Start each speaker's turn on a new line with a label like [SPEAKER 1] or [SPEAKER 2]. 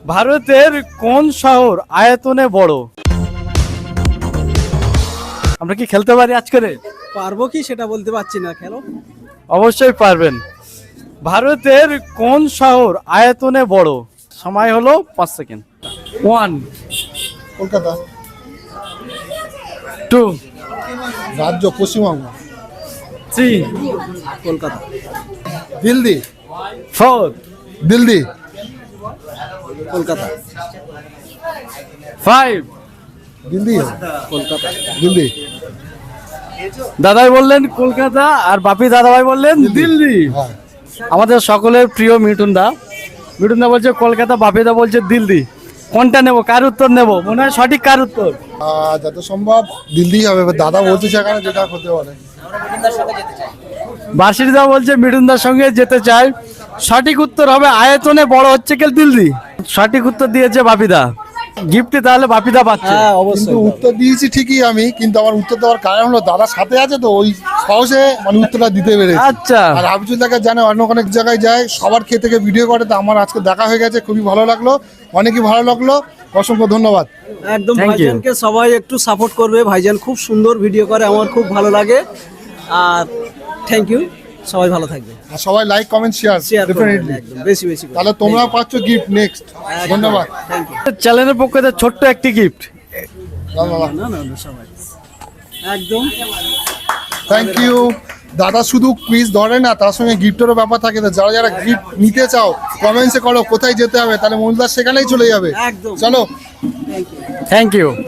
[SPEAKER 1] ভারতের কোন শহর আয়তনে বড়? আমরা কি খেলতে পারি আজকে?
[SPEAKER 2] পারবো কি সেটা বলতে পারছি না, খেলো।
[SPEAKER 1] অবশ্যই পারবেন। ভারতের কোন শহর আয়তনে বড়? সময় হলো 5 সেকেন্ড। 1
[SPEAKER 3] কলকাতা।
[SPEAKER 1] 2
[SPEAKER 3] রাজ্য পশ্চিমবঙ্গ।
[SPEAKER 1] 3
[SPEAKER 2] কলকাতা।
[SPEAKER 3] দিল্লি।
[SPEAKER 1] 4
[SPEAKER 3] দিল্লি।
[SPEAKER 2] কলকাতা।
[SPEAKER 1] 5
[SPEAKER 3] দিল্লি।
[SPEAKER 2] কলকাতা।
[SPEAKER 3] দিল্লি।
[SPEAKER 1] দাদাই বললেন কলকাতা আর বাপি দাদাভাই বললেন দিল্লি।
[SPEAKER 3] হ্যাঁ।
[SPEAKER 1] আমাদের সকলের প্রিয় মিঠুন দা বলছে কলকাতা, বাপি দা বলছে দিল্লি। কোনটা নেব, কার উত্তর নেব? মনে হয় সঠিক কার উত্তর?
[SPEAKER 3] যত সম্ভব দিল্লি হবে, এবার দাদা বলছে সেখানে যেটা হতে পারে।
[SPEAKER 1] বার্ষিক দা বলছে মিঠুন দার সঙ্গে যেতে চায়। সঠিক উত্তর হবে আয়তনে বড় হচ্ছে কি দিল্লি। সঠিক উত্তর দিয়েছে বাপিদা। গিফটে তাহলে বাপিদা পাচ্ছে।
[SPEAKER 2] হ্যাঁ
[SPEAKER 3] কিন্তু
[SPEAKER 2] অবশ্যই।
[SPEAKER 3] উত্তর দিয়েছি ঠিকই আমি, কিন্তু আমার উত্তর দেওয়ার কারণ হলো দাদার সাথে আছে তো ওই সাহসে মানে উত্তরটা দিতে পেরেছি।
[SPEAKER 1] আচ্ছা।
[SPEAKER 3] আর হাবিজুল দাকে জানে অন্য অনেক জায়গায় যায়, সবার খেয়ে থেকে ভিডিও করে, তো আমার আজকে দেখা হয়ে গেছে, খুবই ভালো লাগলো, অনেকই ভালো লাগলো। অসংখ্য ধন্যবাদ।
[SPEAKER 2] একদম
[SPEAKER 1] Thank you.
[SPEAKER 2] ভাইজানকে সবাই একটু সাপোর্ট করবে, ভাইজান খুব সুন্দর ভিডিও করে, আমার খুব ভালো লাগে। আর থ্যাংক ইউ, সবাই ভালো থাকবে,
[SPEAKER 3] আর সবাই লাইক কমেন্ট শেয়ার
[SPEAKER 2] শেয়ার করবেন
[SPEAKER 3] ডেফিনেটলি।
[SPEAKER 2] একদম বেশি বেশি করে।
[SPEAKER 3] তাহলে তোমরাও পাচ্ছ গিফট নেক্সট। ধন্যবাদ।
[SPEAKER 2] Thank you.
[SPEAKER 1] চ্যানেলের পক্ষ থেকে ছোট্ট একটি গিফট।
[SPEAKER 3] ধন্যবাদ।
[SPEAKER 2] না না না, সবাই একদম।
[SPEAKER 3] Thank you. দাদা শুধু কুইজ ধরে না, তার সঙ্গে গিফটেরও ব্যাপার থাকে। তো যারা যারা গিফট নিতে চাও কমেন্টসে করো কোথায় যেতে হবে, তাহলে মনুদার সেখানেই চলে যাবে।
[SPEAKER 2] একদম।
[SPEAKER 3] চলো।
[SPEAKER 2] Thank you.
[SPEAKER 1] Thank you.